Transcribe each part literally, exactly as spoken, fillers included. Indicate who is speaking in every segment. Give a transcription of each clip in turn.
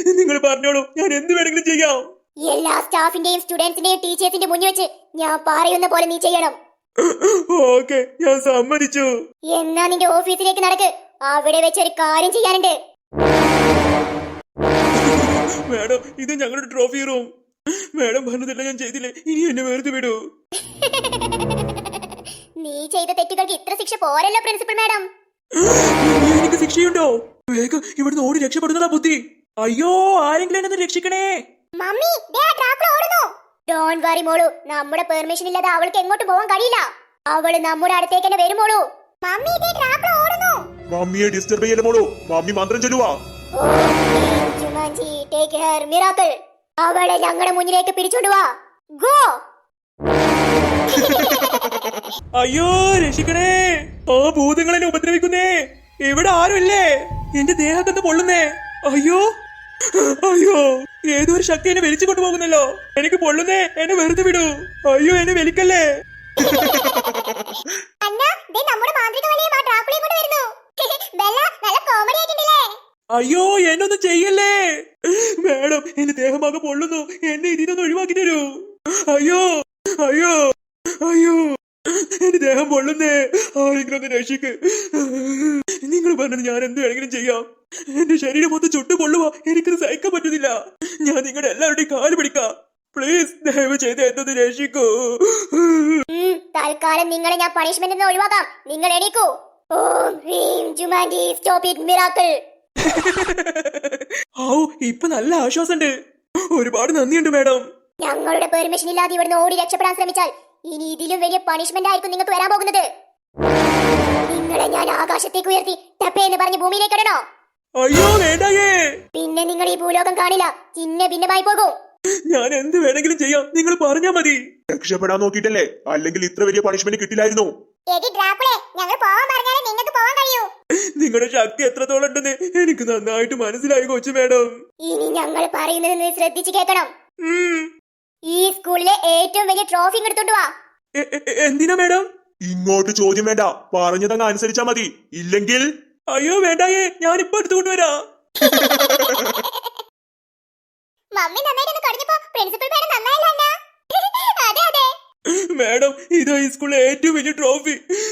Speaker 1: നിങ്ങൾ പറഞ്ഞോളൂ, ഞാൻ എന്ത് വേണമെങ്കിലും ചെയ്യാം.
Speaker 2: എല്ലാ സ്റ്റാഫിന്റെയും സ്റ്റുഡൻസിന്റെയും ടീച്ചേഴ്സിന്റെ മുന്നിൽ വെച്ച് ഞാൻ പറയുന്ന പോലെ നീ ചെയ്യണം.
Speaker 1: ഓക്കെ, ഞാൻ സമ്മതിച്ചു.
Speaker 2: എന്നാ നിന്റെ ഓഫീസിലേക്ക് നടക്ക്. അവിടെ വെച്ച് ഒരു കാര്യം ചെയ്യാനുണ്ട്.
Speaker 1: മാഡം, ഇത് ഞങ്ങളുടെ ട്രോഫി റൂം. മാഡം പറഞ്ഞതല്ല ഞാൻ ചെയ്തില്ലേ, ഇനി എന്നെ വെറുതെ വിടൂ.
Speaker 2: നീ ചെയ്ത തെറ്റുകൾക്ക് ഇത്ര ശിക്ഷ പോരല്ലോ പ്രിൻസിപ്പൽ മാഡം.
Speaker 1: എനിക്ക് ശിക്ഷയുണ്ടോ? വേഗം ഇവിടുന്ന് ഓടി രക്ഷപ്പെടുന്നതാ ബുദ്ധി. അയ്യോ, ആരെങ്കിലും എന്നെ രക്ഷിക്കണേ.
Speaker 2: മമ്മി, ദേ ആ ട്രാപ്പർ ഓടുന്നു. ഡോണ്ട് വറി മോളു, നമ്മുടെ പെർമിഷൻ ഇല്ലാതെ അവൾക്ക് എങ്ങോട്ട് പോകാൻ കഴിയില്ല. അവള് നമ്മുടെ അടുത്തേക്ക് തന്നെ വരും മോളു. മമ്മി, ദേ ട്രാപ്പർ ഓടുന്നു.
Speaker 3: മമ്മിയെ ഡിസ്റ്റർബ് ചെയ്യല്ലേ മോളു, മമ്മി മന്ത്രം ചൊല്ലുവാ.
Speaker 2: Jumanji, take care miracle. അവളെ ഞങ്ങളുടെ മുന്നിലേക്ക് പിടിച്ചോണ്ട് വാ. ഗോ.
Speaker 1: അയ്യോ, രക്ഷിക്കണേ. ആ ഭൂതങ്ങളെ ഉപദ്രവിക്കുന്നേ. ഇവിടെ ആരുമില്ലേ? എന്റെ ദേഹത്തൊന്ന് പൊള്ളുന്നേ. അയ്യോ അയ്യോ, ഏതോ ഒരു ശക്തി എന്നെ വലിച്ചു കൊണ്ടുപോകുന്നല്ലോ. എനിക്ക് പൊള്ളുന്നേ, എന്നെ വെറുതെ വിടൂ. അയ്യോ, എന്നെ വലിക്കല്ലേ. അയ്യോ, എന്നൊന്നും ചെയ്യല്ലേ മാഡം. എന്റെ ദേഹമാകെ പൊള്ളുന്നു. എന്നെ ഇതിനൊന്ന് ഒഴിവാക്കി തരൂ. അയ്യോ അയ്യോ അയ്യോ, എന്റെ ദേഹം പൊള്ളുന്നേ. ആരെങ്കിലും ഒന്ന് രക്ഷിക്ക്. നിങ്ങൾ പറഞ്ഞത് ഞാൻ എന്ത് വേണമെങ്കിലും ചെയ്യാം. എന്റെ ശരീരം മൊത്തം ചുട്ടു പൊള്ളുവാ. എനിക്കത് സഹിക്കാൻ പറ്റുന്നില്ല. ഞാൻ നിങ്ങളുടെ എല്ലാവരുടെയും കാല് പിടിക്കാം. പ്ലീസ്, ദയവ് ചെയ്ത് എന്നൊന്ന് രക്ഷിക്കൂ.
Speaker 2: തൽക്കാലം നിങ്ങളെ ഞാൻ പണിഷ്മെന്റ് ഒഴിവാക്കാം. നിങ്ങൾ എണീക്കൂ. ഓം ഹ്രീം ജുമാൻജി, സ്റ്റോപ്പ് ഇറ്റ് മിറാക്കിൾ.
Speaker 1: ഔ, ഇപ്പൊ നല്ല ആശ്വാസമുണ്ട്. ഒരുപാട് നന്ദിയുണ്ട് മാഡം.
Speaker 2: ഞങ്ങളുടെ പെർമിഷൻ ഇല്ലാതെ ഇവിടുന്ന് ഓടി രക്ഷപ്പെടാൻ ശ്രമിച്ചാൽ ഇനി ഇതിലും വലിയ പണിഷ്മെന്റ് ആയിരിക്കും നിങ്ങൾക്ക് വരാൻ പോകുന്നത്. നിങ്ങളെ ഞാൻ ആകാശത്തേക്ക് ഉയർത്തി ടപ്പേ എന്ന് പറഞ്ഞ് ഭൂമിയിലേക്ക് ഇടണോ?
Speaker 1: അയ്യോ വേണ്ടായേ.
Speaker 2: പിന്നെ നിങ്ങൾ ഈ ഭൂലോകം കാണില്ല, ചിന്ന ഭിന്നമായി പോകും.
Speaker 1: ഞാൻ എന്ത് വേണമെങ്കിലും ചെയ്യാം, നിങ്ങൾ പറഞ്ഞാ മതി.
Speaker 3: രക്ഷപ്പെടാൻ നോക്കിയിട്ടല്ലേ, അല്ലെങ്കിൽ ഇത്ര വലിയ പണിഷ്മെന്റ് കിട്ടില്ലായിരുന്നു.
Speaker 1: നിങ്ങളുടെ ശക്തി എത്രത്തോളം ഉണ്ടെന്ന് എനിക്ക് നന്നായിട്ട് മനസ്സിലായി കൊച്ചു മാഡം.
Speaker 2: ഇനി ഞങ്ങൾ പറയുന്നത് നീ ശ്രദ്ധിച്ചു കേൾക്കണം. ഈ സ്കൂളിലെ ഏറ്റവും വലിയ ട്രോഫി എടുത്തോണ്ട് വാ.
Speaker 1: എന്തിനാ മാഡം?
Speaker 3: ഇങ്ങോട്ട് ചോദ്യം വേണ്ട, പറഞ്ഞതങ്ങ് അനുസരിച്ചാ മതി. ഇല്ലെങ്കിൽ
Speaker 1: അയ്യോ വേണ്ടായേ, ഞാനിപ്പോ എടുത്തുകൊണ്ട് വരാ.
Speaker 2: മമ്മി നന്നായിട്ട് കടിഞ്ഞപ്പോ പ്രിൻസിപ്പൽ മാഡം നന്നായില്ല. അതെ അതെ
Speaker 1: മാഡം, ഇതാ ഈ സ്കൂളിലെ ഏറ്റവും വലിയ ട്രോഫി.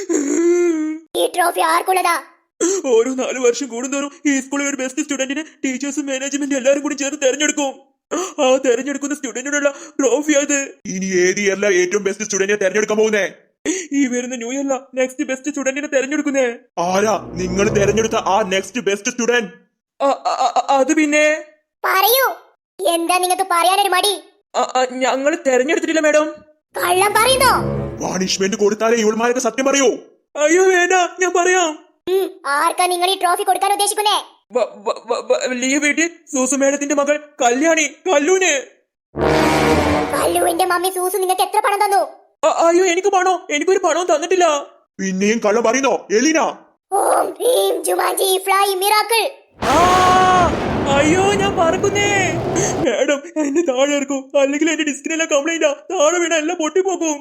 Speaker 2: ഈ ട്രോഫി ആർക്കുള്ളതാ?
Speaker 1: ഓരോ നാലു വർഷം കൂടുന്തോറും ഈ സ്കൂളിൽ ഒരു ബെസ്റ്റ് സ്റ്റുഡന്റിനെ ടീച്ചേഴ്സും മാനേജ്മെന്റ് എല്ലാരും കൂടി ചേർന്ന് തെരഞ്ഞെടുക്കും. ആ തെരഞ്ഞെടുക്കുന്ന സ്റ്റുഡന്റിനുള്ള ട്രോഫി അത്.
Speaker 3: ഇനി ഏത് ഇയറിലെ ഏറ്റവും ബെസ്റ്റ് സ്റ്റുഡന്റിനെ തെരഞ്ഞെടുക്കാൻ പോകുന്നേ?
Speaker 1: ഈ വരുന്ന ന്യൂ ഇയറില നെക്സ്റ്റ് ബെസ്റ്റ് സ്റ്റുഡന്റിനെ തെരഞ്ഞെടുക്കുന്നേ.
Speaker 3: ആരാ നിങ്ങൾ തെരഞ്ഞെടുത്ത ആ നെക്സ്റ്റ് ബെസ്റ്റ് സ്റ്റുഡന്റ്?
Speaker 1: അത് പിന്നെ
Speaker 2: പറയൂ, എന്താ നിങ്ങൾക്ക് പറയാനൊരു മടി?
Speaker 1: ഞങ്ങൾ തെരഞ്ഞെടുത്തിട്ടില്ല മാഡം.
Speaker 2: കള്ളം പറയുന്നോ?
Speaker 3: പണിഷ്മെന്റ് കൊടുത്താലേ ഇവൾമാരൊക്കെ സത്യം പറയൂ.
Speaker 1: അയ്യോ വേണ്ട, ഞാൻ പറയാം.
Speaker 2: ആർക്കാ നിങ്ങൾ ഈ ട്രോഫി കൊടുക്കാൻ ഉദ്ദേശിക്കുന്നേ?
Speaker 1: വലിയ വീട്ടിൽ സൂസു മേഡത്തിന്റെ മകൾ കല്യാണി, കല്ലൂന്.
Speaker 2: കല്ലുവിന്റെ മമ്മി സൂസു നിങ്ങൾക്ക് എത്ര പണം തന്നു?
Speaker 1: അയ്യോ, എനിക്ക് പണോ? എനിക്കൊരു പണവും തന്നിട്ടില്ല.
Speaker 3: പിന്നെയും കള്ളം പറയുന്നോ എലീന?
Speaker 2: ഓം ഹ്രീം ജുമാൻജി, ഫ്ലൈ മിറാക്കിൾ.
Speaker 1: അയ്യോ, ഞാൻ പറക്കുന്നേ. മാഡം, എന്നെ താഴെ ഇറക്കും, അല്ലെങ്കിൽ എന്റെ ഡിസ്കിനെല്ലാം കംപ്ലൈന്റാ. താഴെ വീണ എല്ലാം പൊട്ടിപ്പോക്കും.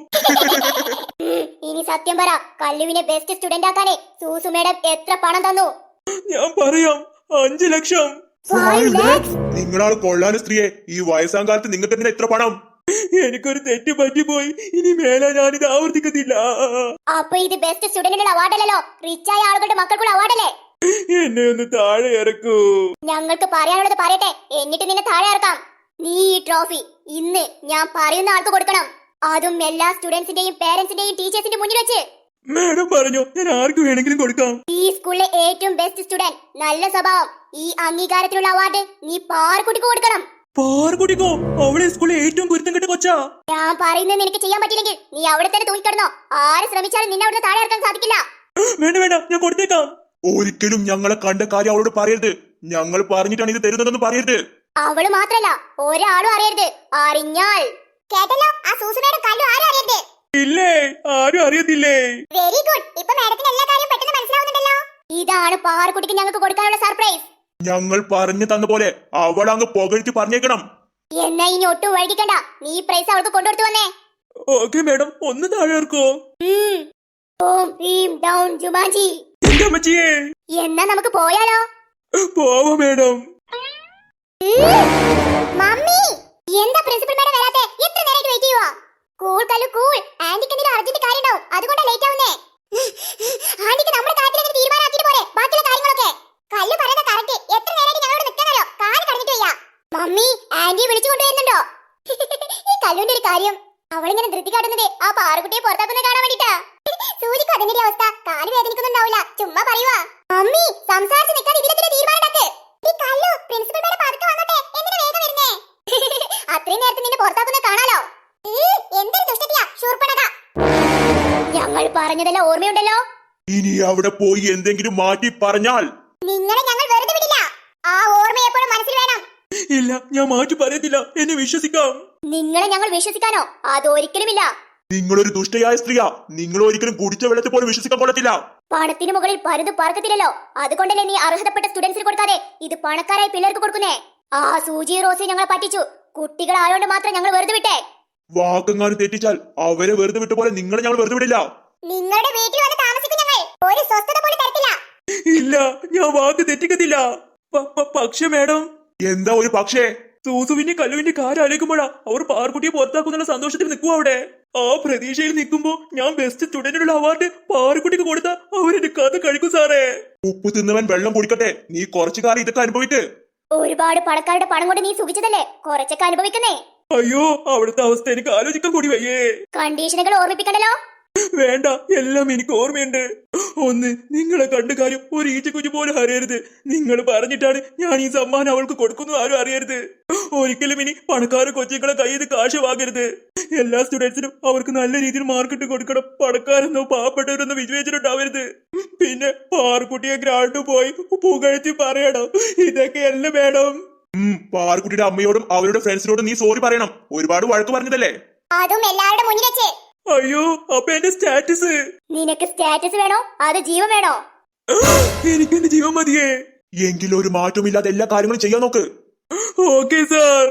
Speaker 2: ഇനി സത്യം പറ, കല്ലുവിനെ ബെസ്റ്റ് സ്റ്റുഡന്റ് ആക്കാനേ സൂസു മേഡം എത്ര പണം തന്നു?
Speaker 1: ഞാൻ പറയാം, അഞ്ചു ലക്ഷം.
Speaker 3: നിങ്ങളാണ് കൊള്ളാൻ സ്ത്രീയെ. ഈ വയസ്സാം കാലത്ത് നിങ്ങൾക്ക് എന്തിനാ ഇത്ര പണം?
Speaker 1: എനിക്കൊരു തെറ്റ് പറ്റിപ്പോയി. ഇനി മേലെ ഞാനിത് ആവർത്തിക്കത്തില്ല.
Speaker 2: അപ്പൊ ഇത് ബെസ്റ്റ് സ്റ്റുഡന്റിനുള്ള അവാർഡല്ലോ, റിച്ചായ ആളുകളുടെ മക്കൾക്കുള്ള അവാർഡല്ലേ?
Speaker 1: എന്നെ ഒന്ന് താഴെ ഇറക്കൂ.
Speaker 2: ഞങ്ങൾക്ക് പറയാനുള്ളത് പറയട്ടെ, എന്നിട്ട് നിന്നെ താഴെ ഇറക്കാം. നീ ഈ ട്രോഫി ഇന്ന് ഞാൻ പറയുന്ന ആൾക്ക് കൊടുക്കണം. അതും എല്ലാ സ്റ്റുഡൻസിന്റെയും പേരന്റ്സിന്റെയും ടീച്ചേഴ്സിന്റെ മുന്നിൽ വെച്ച്.
Speaker 1: മാഡം പറഞ്ഞു, ഞാൻ ആർക്ക് വേണമെങ്കിലും കൊടുക്കാം.
Speaker 2: ഈ സ്കൂളിലെ ഏറ്റവും ബെസ്റ്റ് സ്റ്റുഡന്റ്, നല്ല സ്വഭാവം, ഈ അംഗീകാരത്തിനുള്ള അവാർഡ് നീ പാറക്കുട്ടിക്ക് കൊടുക്കണം.
Speaker 1: പാറക്കുട്ടിക്കോ? അവളെ സ്കൂളിലെ ഏറ്റവും കുരുത്തം കെട്ട കൊച്ചാ.
Speaker 2: ഞാൻ പറയുന്നത് നിനക്ക് ചെയ്യാൻ പറ്റില്ലെങ്കിൽ നീ അവിടെ തന്നെ തൂങ്ങിക്കിടന്നോ. ആര് ശ്രമിച്ചാലും നിന്നെ അവിടെ താഴെ ഇറക്കാൻ സാധിക്കില്ല.
Speaker 1: വേണ്ട വേണ്ട, ഞാൻ കൊടുത്തേക്കാം.
Speaker 3: ഒരിക്കലും ഞങ്ങളെ കണ്ട കാര്യം അവളോട് പറയരുത്. ഞങ്ങൾ പറഞ്ഞിട്ടാണ് ഇത് തരുന്നതെന്ന് പറയരുത്.
Speaker 2: അവള് മാത്രല്ല, ഒരാളും അറിയരുത്. അറിഞ്ഞാൽ കേട്ടല്ലോ, ആ സൂസനയുടെ കല്ലു ആരും അറിയരുത്.
Speaker 1: ഇല്ലേ, ആരും അറിയത്തില്ലേ.
Speaker 2: Very good. ഇപ്പൊ മാഡത്തിന് എല്ലാ കാര്യം പെട്ടെന്ന് മനസ്സിലാവുന്നുണ്ടല്ലോ. ഇതാണ് പാറക്കുട്ടിക്ക് ഞങ്ങൾക്ക് കൊടുക്കാനുള്ള സർപ്രൈസ്.
Speaker 3: ഞങ്ങൾ പറഞ്ഞു തന്ന പോലെ അവൾ അങ്ങ് പുകഴ്ത്തി പറഞ്ഞേക്കണം.
Speaker 2: എന്നാ ഇനി ഒട്ടും വൈകിക്കണ്ട, നീ പ്രൈസ് അവൾക്ക് കൊണ്ടുകൊടുത്തു വന്നേ.
Speaker 1: ഓക്കെ മാഡം, ഒന്ന് താഴെ ഇറക്കോ.
Speaker 2: ഓം ഹ്രീം ഡൗൺ ജുമാൻജി.
Speaker 1: എന്റെ അമ്മച്ചിയെ,
Speaker 2: എന്നാ നമുക്ക് പോയാലോ?
Speaker 1: പോവാ മാഡം.
Speaker 2: കല്ലു കൂൾ. ആന്റിക്ക് എന്തെങ്കിലും അർജന്റ് കാര്യം ഉണ്ടാവും, അതുകൊണ്ടാ ലേറ്റ് ആവുന്നേ. ആന്റിക്ക് നമ്മുടെ കാര്യത്തിൽ അങ്ങനെ തീരുമാനമാക്കിയിട്ട് പോരെ ബാക്കിയുള്ള കാര്യങ്ങളൊക്കെ. കല്ലു പറയുന്ന കറക്റ്റ്. എത്ര നേരമായിട്ട് ഞങ്ങളോട് നിൽക്കാനോ, കാല് കടഞ്ഞിട്ട് വയ്യ. മമ്മി ആന്റിയെ വിളിച്ചു കൊണ്ടുവരുന്നുണ്ടോ? ഈ കല്ലുവിന്റെ ഒരു കാര്യം, അവളിങ്ങനെ ധൃതി കാട്ടുന്നത് ആ പാറുകുട്ടിയെ പുറത്താക്കുന്നത് കാണാൻ വേണ്ടിട്ടാ. സൂചിക്ക് അതിന്റെ അവസ്ഥ, കാല് വേദനിക്കുന്നുണ്ടാവില്ല, ചുമ്മാ പറയുവാ. മമ്മി സംസാരിച്ച് നിൽക്കാതെ ഇതിലെത്തിരി തീരുമാനം. പ്രിൻസിപ്പൽ മേഡം പതുക്കെ വന്നോട്ടെ, എന്തിനാ വേഗം വരുന്നേ? അത്രയും നേരത്തെ നിന്നെ പുറത്താക്കുന്നത് കാണാലോ. എന്തൊരു ദുഷ്ടത്തിയാ ശൂർപ്പണക. ഞങ്ങൾ പറഞ്ഞതെല്ലാം ഓർമ്മയുണ്ടല്ലോ.
Speaker 3: ഇനി അവിടെ പോയി എന്തെങ്കിലും മാറ്റി പറഞ്ഞാൽ
Speaker 2: നിങ്ങളെ ഞങ്ങൾ വെറുതെ വിടില്ല. ആ ഓർമ്മ എപ്പോഴും മനസ്സിൽ വേണം.
Speaker 1: ഇല്ല, ഞാൻ മാറ്റി പറയത്തില്ല, എന്നെ വിശ്വസിക്കാം.
Speaker 2: നിങ്ങളെ ഞങ്ങൾ വിശ്വസിക്കാനോ? അതൊരിക്കലുമില്ല.
Speaker 3: നിങ്ങളൊരു ദുഷ്ടയായ സ്ത്രീയാ. നിങ്ങൾ ഒരിക്കലും കുടിച്ച വെള്ളത്തിൽ പോലും വിശ്വസിക്കാൻ കൊള്ളത്തില്ല.
Speaker 2: പണത്തിന് മുകളിൽ പരുത് പറക്കത്തില്ലല്ലോ, അതുകൊണ്ടല്ലേ നീ അർഹതപ്പെട്ട സ്റ്റുഡൻസിന് കൊടുക്കാതെ ഇത് പണക്കാരായ പിള്ളേർക്ക് കൊടുക്കുന്നേ. ആ സൂചി റോസി ഞങ്ങളെ പറ്റിച്ചു. കുട്ടികൾ ആയോണ്ട് മാത്രം ഞങ്ങൾ വെറുതെ വിട്ടേ.
Speaker 3: വാക്കെങ്ങാനും തെറ്റിച്ചാൽ അവരെ വെറുതെ വിട്ട പോലെ നിങ്ങളെ ഞങ്ങൾ വെറുതെ വിടില്ല.
Speaker 2: നിങ്ങളുടെ വീട്ടിൽ വന്ന് താമസിക്കും ഞങ്ങൾ. ഒരു സ്വസ്ഥത പോലും തരത്തില്ല.
Speaker 1: ഇല്ല, ഞാൻ വാക്ക് തെറ്റിക്കത്തില്ല. പ- പ- പക്ഷേ മേഡം,
Speaker 3: എന്താ ഒരു പക്ഷേ?
Speaker 1: സൂസുവിന്റെ കല്ലുവിന്റെ കാര്യം ആലോചിക്കുമ്പോഴാ അവർ പാർക്കുട്ടിയെ പുറത്താക്കുന്ന സന്തോഷത്തിൽ നിൽക്കും അവിടെ. ആ പ്രതീക്ഷയിൽ നിൽക്കുമ്പോ ഞാൻ ബെസ്റ്റ് സ്റ്റുഡന്റിനുള്ള അവാർഡ് പാറുകുട്ടിക്ക് കൊടുത്ത അവരെന്റെ കഥ കഴിക്കും സാറേ.
Speaker 3: ഉപ്പ് തിന്നവൻ വെള്ളം കുടിക്കട്ടെ. നീ കുറച്ചു കാലം ഇതൊക്കെ അനുഭവിട്ട്.
Speaker 2: ഒരുപാട് പണക്കാരുടെ പണം കൊണ്ട് നീ സുഖിച്ചതല്ലേ, കുറച്ചൊക്കെ അനുഭവിക്കുന്നേ.
Speaker 1: അയ്യോ, അവിടുത്തെ അവസ്ഥ എനിക്ക് ആലോചിക്കാൻ കൂടി വയ്യേ.
Speaker 2: കണ്ടീഷനുകൾ ഓർമ്മിപ്പിക്കണ്ടല്ലോ.
Speaker 1: വേണ്ട, എല്ലാം എനിക്ക് ഓർമ്മയുണ്ട്. ഒന്ന്, നിങ്ങളെ കണ്ട കാര്യം ഒരു ഈച്ചക്കുഞ്ഞു പോലും അറിയരുത്. നിങ്ങൾ പറഞ്ഞിട്ടാണ് ഞാൻ ഈ സമ്മാനം അവൾക്ക് കൊടുക്കുന്നത് ആരും അറിയരുത്. ഒരിക്കലും ഇനി പണക്കാരെ കൊച്ചുങ്ങളെ കയ്യിൽ നിന്ന് കാശ് വാങ്ങരുത്. എല്ലാ സ്റ്റുഡൻസിനും അവർക്ക് നല്ല രീതിയിൽ മാർക്കിട്ട് കൊടുക്കണം. പണക്കാരെന്നോ പാവപ്പെട്ടവരെന്നോ വിവേചനമുണ്ടാവരുത്. പിന്നെ പാർക്കുട്ടിയെ ഗ്രാണ്ട് പോയി പുകഴ്ത്തി പറയണം. ഇതൊക്കെയല്ല വേണം.
Speaker 3: ഉം പാർക്കുട്ടിയുടെ അമ്മയോടും അവരുടെ ഫ്രണ്ട്സിനോടും നീ സോറി പറയണം. ഒരുപാട് വഴക്ക് പറഞ്ഞതല്ലേ.
Speaker 2: അതും എല്ലാവരുടെ മുന്നിൽ വെച്ച്.
Speaker 1: അയ്യോ, അപ്പൊ എന്റെ സ്റ്റാറ്റസ്?
Speaker 2: നിനക്ക് സ്റ്റാറ്റസ് വേണോ അത് ജീവൻ വേണോ?
Speaker 1: എനിക്ക് എന്റെ ജീവൻ മതിയേ.
Speaker 3: എങ്കിലും ഒരു മാറ്റമില്ലാതെ എല്ലാ കാര്യങ്ങളും ചെയ്യാൻ നോക്ക്.
Speaker 1: Okay sir.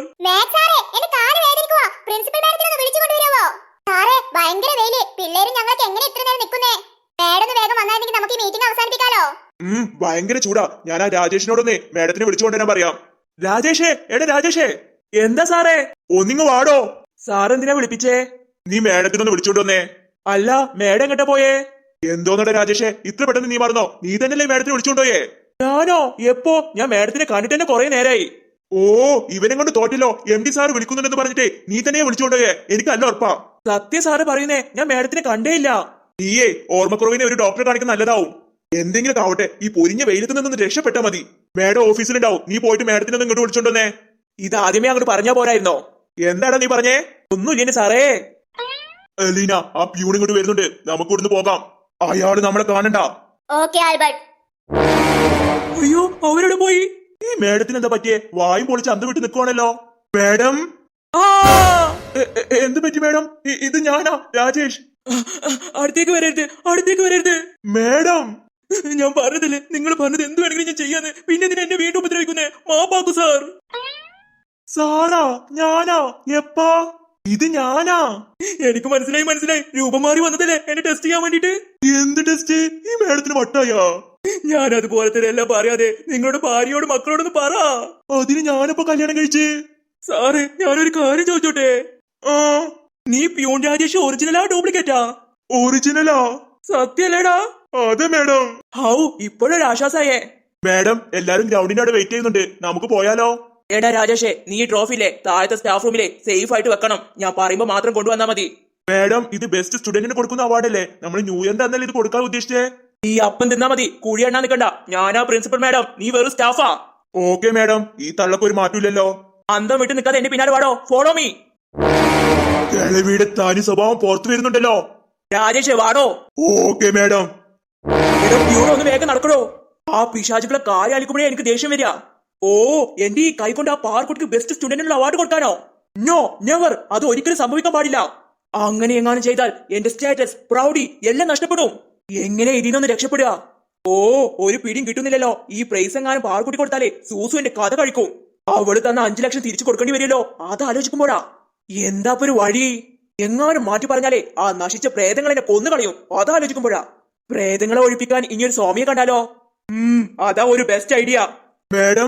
Speaker 2: പ്രിൻസിപ്പൽ മാഡത്തിനെ ഒന്ന് വിളിച്ചു കൊണ്ടുവരാവോ? സാറേ, ഭയങ്കര വെയില്. പിള്ളേരും ഞങ്ങൾക്ക് എങ്ങനെ ഇത്ര നേരം നിൽക്കുന്നേ? മാഡം ഒന്ന് വേഗം വന്നായിരുന്നെങ്കിൽ നമുക്ക് ഈ മീറ്റിംഗ് അവസാനിപ്പിക്കാലോ.
Speaker 3: ഉം ഭയങ്കര ചൂടാ. ഞാൻ ആ രാജേഷിനോടൊന്നേ മേഡത്തിനെ വിളിച്ചുകൊണ്ടുവരാൻ പറയാം. രാജേഷേ, എടാ രാജേഷേ.
Speaker 1: എന്താ സാറേ?
Speaker 3: ഒന്നിങ്ങ് വാടോ.
Speaker 1: സാറെന്തിനാ വിളിപ്പിച്ചേ?
Speaker 3: നീ മേഡത്തിനൊന്ന് വിളിച്ചോണ്ടുവന്നേ.
Speaker 1: അല്ല, മേഡം എങ്ങട്ടാ പോയേ?
Speaker 3: എന്തോന്നടാ രാജേഷേ, ഇത്ര പെട്ടെന്ന് നീ മറന്നോ? നീ തന്നെയല്ലേ മേഡത്തിനെ വിളിച്ചോണ്ടോയേ?
Speaker 1: ഞാനോ? എപ്പോ? ഞാൻ മേഡത്തിനെ കണ്ടിട്ട് തന്നെ കൊറേ നേരായി.
Speaker 3: ഓ, ഇവനെ കൊണ്ട് തോറ്റല്ലോ. എം ഡി സാർ വിളിക്കുന്നുണ്ടെന്ന് പറഞ്ഞിട്ടേ നീ തന്നെ വിളിച്ചോണ്ടോയേ. എനിക്ക് അല്ല ഉറപ്പാ.
Speaker 1: സത്യ സാറ് പറയുന്നേ, ഞാൻ മേഡത്തിനെ കണ്ടേയില്ല.
Speaker 3: നീയേ ഓർമ്മക്കുറവിനെ ഒരു ഡോക്ടറെ കാണിക്കുന്ന നല്ലതാവും. എന്തെങ്കിലും ആവട്ടെ, ഈ പൊരിഞ്ഞ വെയിലത്ത് നിന്നൊന്ന് രക്ഷപ്പെട്ടാ മതി. മേഡം ഓഫീസിലുണ്ടാവും. നീ പോയിട്ട് മേഡത്തിനെ ഒന്ന് ഇങ്ങോട്ട് വിളിച്ചോണ്ടോന്നേ.
Speaker 1: ഇത് ആദ്യമേ അങ്ങോട്ട് പറഞ്ഞാ പോരായിരുന്നോ?
Speaker 3: എന്താടാ നീ പറഞ്ഞേ?
Speaker 1: ഒന്നുമില്ലേ സാറേ.
Speaker 3: ലീന, ആ പ്യൂൺ ഇങ്ങോട്ട് വരുന്നുണ്ട്. നമുക്ക് ഇവിടുന്ന് പോകാം. അയാള് നമ്മളെ കാണണ്ട.
Speaker 2: Okay Albert.
Speaker 1: അയ്യോ, അവരോട് പോയി.
Speaker 3: ഈ മേഡത്തിന് എന്താ പറ്റിയേ? വായും പൊളിച്ച് അന്ത് വിട്ട് നിൽക്കുവാണല്ലോ. മേഡം,
Speaker 1: ആ,
Speaker 3: എ- എ- എന്ത് പറ്റി മേഡം? ഇ- ഇത് ഞാനാ, രാജേഷ്.
Speaker 1: അടുത്തേക്ക് വരരുത്, അടുത്തേക്ക് വരരുത്.
Speaker 3: മേഡം,
Speaker 1: ഞാൻ പറഞ്ഞതില്ലേ, നിങ്ങൾ പറഞ്ഞത് എന്ത് വേണമെങ്കിലും ഞാൻ ചെയ്യാന്ന്. പിന്നെ എന്തിനാ എന്നെ വീണ്ടും ഉപദ്രവിക്കുന്നേ? മാപ്പാക്കു സാർ.
Speaker 3: സാറാ? ഞാനാ? എപ്പാ? ഇത് ഞാനാ?
Speaker 1: എനിക്ക് മനസ്സിലായി മനസ്സിലായി. രൂപം മാറി വന്നതല്ലേ എന്നെ ടെസ്റ്റ് ചെയ്യാൻ വേണ്ടിട്ട്.
Speaker 3: എന്ത് ടെസ്റ്റ്? ഈ മേഡത്തിന് വട്ടായാ?
Speaker 1: ഞാൻ അതുപോലത്തെ എല്ലാം പറയാതെ നിങ്ങളുടെ ഭാര്യയോട് മക്കളോടൊന്ന് പറ.
Speaker 3: അതിന് ഞാനിപ്പോ കല്യാണം കഴിച്ച്.
Speaker 1: സാറ്, ഞാനൊരു കാര്യം ചോദിച്ചോട്ടെ?
Speaker 3: ആ,
Speaker 1: നീ പ്യൂൺ രാജേഷ് ഒറിജിനലാ ഡ്യൂപ്ലിക്കേറ്റാ?
Speaker 3: ഒറിജിനലാ.
Speaker 1: സത്യല്ലേടാ?
Speaker 3: അതെ മേഡം.
Speaker 1: ഹൗ, ഇപ്പോഴൊരു ആശ്വാസായേ.
Speaker 3: മേഡം, എല്ലാരും ഗ്രൗണ്ടിന്റെ അവിടെ വെയിറ്റ് ചെയ്യുന്നുണ്ട്. നമുക്ക് പോയാലോ?
Speaker 1: എടാ രാജേഷേ, നീ ഈ ട്രോഫിയിലെ താഴത്തെ സ്റ്റാഫ് റൂമിലെ സേഫ് ആയിട്ട് വെക്കണം. ഞാൻ പറയുമ്പോ മാത്രം കൊണ്ടുവന്നാ മതി.
Speaker 3: മേഡം, ഇത് ബെസ്റ്റ് സ്റ്റുഡന്റിന് കൊടുക്കുന്ന അവാർഡല്ലേ? നമ്മൾ ന്യൂ ഇയറിന്റെ അന്നല്ലേ ഇത് കൊടുക്കാൻ ഉദ്ദേശിച്ചേ?
Speaker 1: ഈ അപ്പം തിന്നാ മതി, കുഴി എണ്ണാൻ നിൽക്കണ്ട. ഞാനാ പ്രിൻസിപ്പൽ മാഡം, നീ വെറും സ്റ്റാഫാ.
Speaker 3: ഓക്കെ മേഡം, ഈ തള്ളക്ക് ഒരു മാറ്റമില്ലല്ലോ.
Speaker 1: അന്തം വിട്ട് നിൽക്കാതെ എന്റെ പിന്നാലെ വാടോ. Follow me.
Speaker 3: കിളവിയുടെ തനി സ്വഭാവം പുറത്തു വരുന്നുണ്ടല്ലോ.
Speaker 1: രാജേഷേ വാടോ.
Speaker 3: Okay madam.
Speaker 1: എടോ പ്യൂണോ, ഒന്ന് വേഗം നടക്കണോ. ആ പിശാചുക്കളെ കാര്യാലിക്കുമ്പോഴേ എനിക്ക് ദേഷ്യം വരിക. ഓ, എന്റെ ഈ കൈ കൊണ്ട് ആ പാർക്കുട്ടിക്ക് ബെസ്റ്റ് സ്റ്റുഡന്റിനുള്ള അവാർഡ് കൊടുക്കാനോ? No, never. അത് ഒരിക്കലും സംഭവിക്കാൻ പാടില്ല. അങ്ങനെ എങ്ങാനും ചെയ്താൽ എന്റെ സ്റ്റാറ്റസ്, പ്രൗഡി എല്ലാം നഷ്ടപ്പെടും. എങ്ങനെ ഇതിനൊന്ന് രക്ഷപ്പെടുക? ഓ, ഒരു പിടിയും കിട്ടുന്നില്ലല്ലോ. ഈ പ്രൈസ് എങ്ങാനും പാർക്കുട്ടി കൊടുത്താലേ സൂസു എന്റെ കഥ കഴിക്കും. അവള് തന്ന അഞ്ചു ലക്ഷം തിരിച്ചു കൊടുക്കേണ്ടി വരുമല്ലോ. അത് ആലോചിക്കുമ്പോഴാ എന്താ ഒരു വഴി? എങ്ങാനും മാറ്റി പറഞ്ഞാലേ ആ നശിച്ച പ്രേതങ്ങൾ എന്നെ കൊന്നു കളയും. അതാലോചിക്കുമ്പോഴാ പ്രേതങ്ങളെ ഒഴിപ്പിക്കാൻ ഇനിയൊരു സ്വാമിയെ കണ്ടാലോ? ഉം അതാ ഒരു ബെസ്റ്റ് ഐഡിയ.
Speaker 3: മേഡം,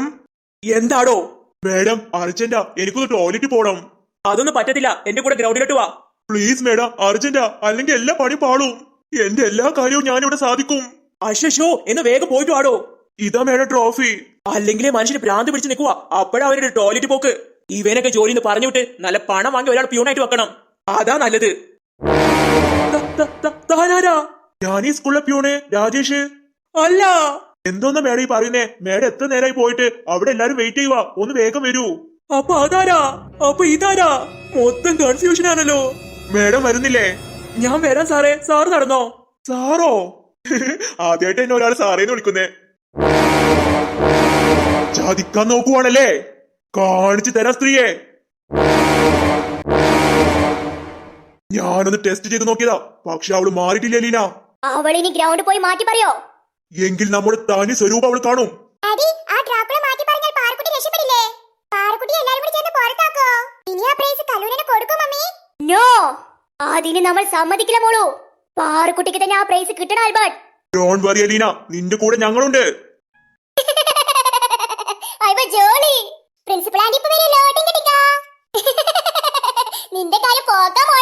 Speaker 1: എന്താടോ?
Speaker 3: മേഡം അർജന്റാ, എനിക്കൊന്ന് ടോയ്ലറ്റ് പോണം.
Speaker 1: അതൊന്നും പറ്റത്തില്ല. എന്റെ കൂടെ ഗ്രൗണ്ടിലോട്ട് വാ.
Speaker 3: പ്ലീസ് മേഡം അർജന്റാ അല്ലെങ്കിൽ എല്ലാ പണി പാളും എന്റെ എല്ലാ കാര്യവും ഞാനിവിടെ സാധിക്കും
Speaker 1: അശ്ശോ എന്ന് വേഗം പോയിട്ട് വാടോ.
Speaker 3: ഇതാ മേഡം ട്രോഫി
Speaker 1: അല്ലെങ്കിലേ മനുഷ്യന് ഭ്രാന്ത് പിടിച്ച് നിൽക്കുക. അപ്പോഴാ അവരുടെ ടോയ്ലറ്റ് പോക്ക്. ഇവനൊക്കെ ജോലിന്ന് പറഞ്ഞു വിട്ട് നല്ല പണം വാങ്ങി ഒരാൾ പ്യൂണായിട്ട് വെക്കണം. അതാ നല്ലത്. ത- ത- ത- താനാരാ?
Speaker 3: ഞാൻ ഈ സ്കൂളിലെ പ്യൂണ് രാജേഷ്.
Speaker 1: അല്ല.
Speaker 3: എന്തോന്നാ മേഡം ഈ പറയുന്നേ? മേഡം എത്ര നേരമായി പോയിട്ട് അവിടെ എല്ലാരും വെയിറ്റ് ചെയ്യുക, ഒന്ന് വേഗം വരൂ.
Speaker 1: അപ്പൊ അതാരാ? അപ്പൊ ഇതാരാ? മൊത്തം കൺഫ്യൂഷൻ ആണല്ലോ.
Speaker 3: മേഡം വരുന്നില്ലേ?
Speaker 1: ഞാൻ വരാം സാറേ. സാറ് നടന്നോ?
Speaker 3: സാറോ? ആദ്യമായിട്ട് എന്നെ ഒരാൾ സാറേന്ന് വിളിക്കുന്നേ. ചതിക്കാൻ നോക്കുവാണല്ലേ? കാണിച്ചു തരാം സ്ത്രീയെ. ഞാനൊന്ന് ടെസ്റ്റ് ചെയ്ത് നോക്കിയതാ, പക്ഷെ അവള് മാറിയിട്ടില്ല ലീന.
Speaker 2: അവളിനി ഗ്രൗണ്ട് പോയി മാറ്റി പറയോ?
Speaker 3: എങ്കിൽ നമ്മുടെ തനി സ്വരൂപം അവൾ കാണും.
Speaker 2: ഡാഡി, ആ ഡ്രോപ്പിനെ മാറ്റി പറഞ്ഞാൽ പാറക്കുട്ടി രക്ഷപ്പെടില്ലേ? പാറക്കുട്ടി എല്ലാരും കൂടി ചേർന്ന് പുറത്താക്കോ? ഇനി ആ പ്രൈസ് കല്ലൂരിനെ കൊടുക്കും മമ്മി. നോ, അതിന് നമ്മൾ സമ്മതിക്കില്ല മോളൂ. പാറക്കുട്ടിക്ക് തന്നെ ആ പ്രൈസ് കിട്ടണം ആൽബർട്ട്.
Speaker 3: ഡോണ്ട് വറി അലീന, നിന്റെ കൂടെ ഞങ്ങളുണ്ട്.
Speaker 2: അയ്യോ ജോളി, പ്രിൻസിപ്പൽ ആന്റി ഇപ്പോ വരെ ലോഡിംഗ് കിട്ടിക്കാ. നിന്റെ കാര്യം പോകാമോ?